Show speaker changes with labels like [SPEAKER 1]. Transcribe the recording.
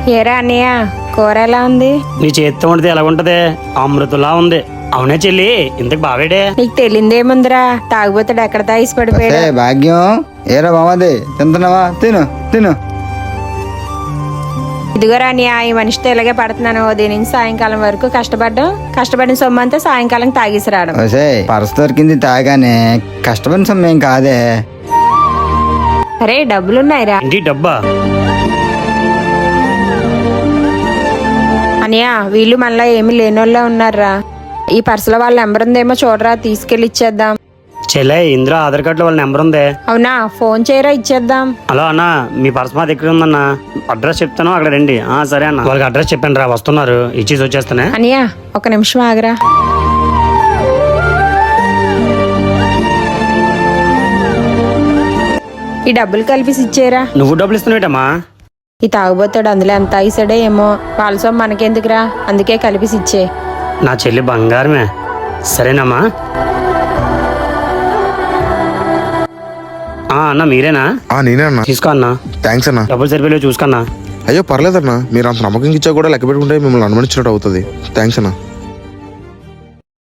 [SPEAKER 1] ఏరా అన్నయ్య, కూర ఎలా ఉంది?
[SPEAKER 2] నీ చేతితో వండితే ఎలా ఉంటది? అమృతులా ఉంది. అవునే చెల్లి, ఇంతకు బావేడే?
[SPEAKER 1] నీకు తెలియదేముందిరా, తాగుబోతాడు ఎక్కడ తాగిసి పడిపోయాడు.
[SPEAKER 3] భాగ్యం, ఏరా బామది, తింటున్నావా? తిను తిను.
[SPEAKER 1] ఇదిగోరా అన్నయ్య, ఈ మనిషితో ఇలాగే పడుతున్నాను. ఉదయం నుంచి సాయంకాలం వరకు కష్టపడిన సొమ్ము అంతా సాయంకాలం తాగేసి రావడం.
[SPEAKER 3] పర్స్ దొరికింది తాగానే, కష్టపడిన సొమ్మేం కాదే.
[SPEAKER 1] అరే డబ్బులున్నాయిరా.
[SPEAKER 2] ఇంటి డబ్బా?
[SPEAKER 1] అన్నయ్య, వీళ్ళు మనలా ఏమి లేనోళ్ళ ఉన్నారా. ఈ పర్సులో వాళ్ళ నెంబర్ ఉందేమో చూడరా, తీసుకెళ్లి ఇచ్చేద్దాం.
[SPEAKER 2] చెల్లె, ఇందులో ఆధార్ కార్డులో వాళ్ళ నెంబర్ ఉంది.
[SPEAKER 1] అవునా, ఫోన్ చేయరా, ఇచ్చేద్దాం.
[SPEAKER 2] హలో అన్న, మీ పర్స్ మా దగ్గర ఉందన్న. అడ్రస్ చెప్తాను, అక్కడ రండి. సరే అన్న, వాళ్ళకి అడ్రస్ చెప్పాను రా, వస్తున్నారు. ఇచ్చేసి వచ్చేస్తానే.
[SPEAKER 1] అన్నయ్య ఒక నిమిషం ఆగరా. ఈ డబ్బులు కలిపి ఇచ్చేరా.
[SPEAKER 2] నువ్వు డబ్బులు ఇస్తున్నావేటమ్మా?
[SPEAKER 1] ఈ తాగుబోతాడు అందులో ఎంత తాగిసాడో ఏమో. వాళ్ళ సొమ్ము మనకెందుకురా, అందుకే కలిపి ఇచ్చే.
[SPEAKER 2] నా చెల్లి బంగారమే. సరేనమ్మా. అన్న మీరేనా?
[SPEAKER 4] నేనే అన్నా.
[SPEAKER 2] తీసుకో అన్న.
[SPEAKER 4] థ్యాంక్స్ అన్నా.
[SPEAKER 2] డబ్బులు సరిపోయి చూసుకన్నా.
[SPEAKER 4] అయ్యో పర్లేదన్నా, మీరు అంత నమ్మకం ఇచ్చా కూడా లెక్క పెట్టుకుంటే మిమ్మల్ని అనుమానించినట్టు అవుతుంది. థ్యాంక్స్ అన్నా.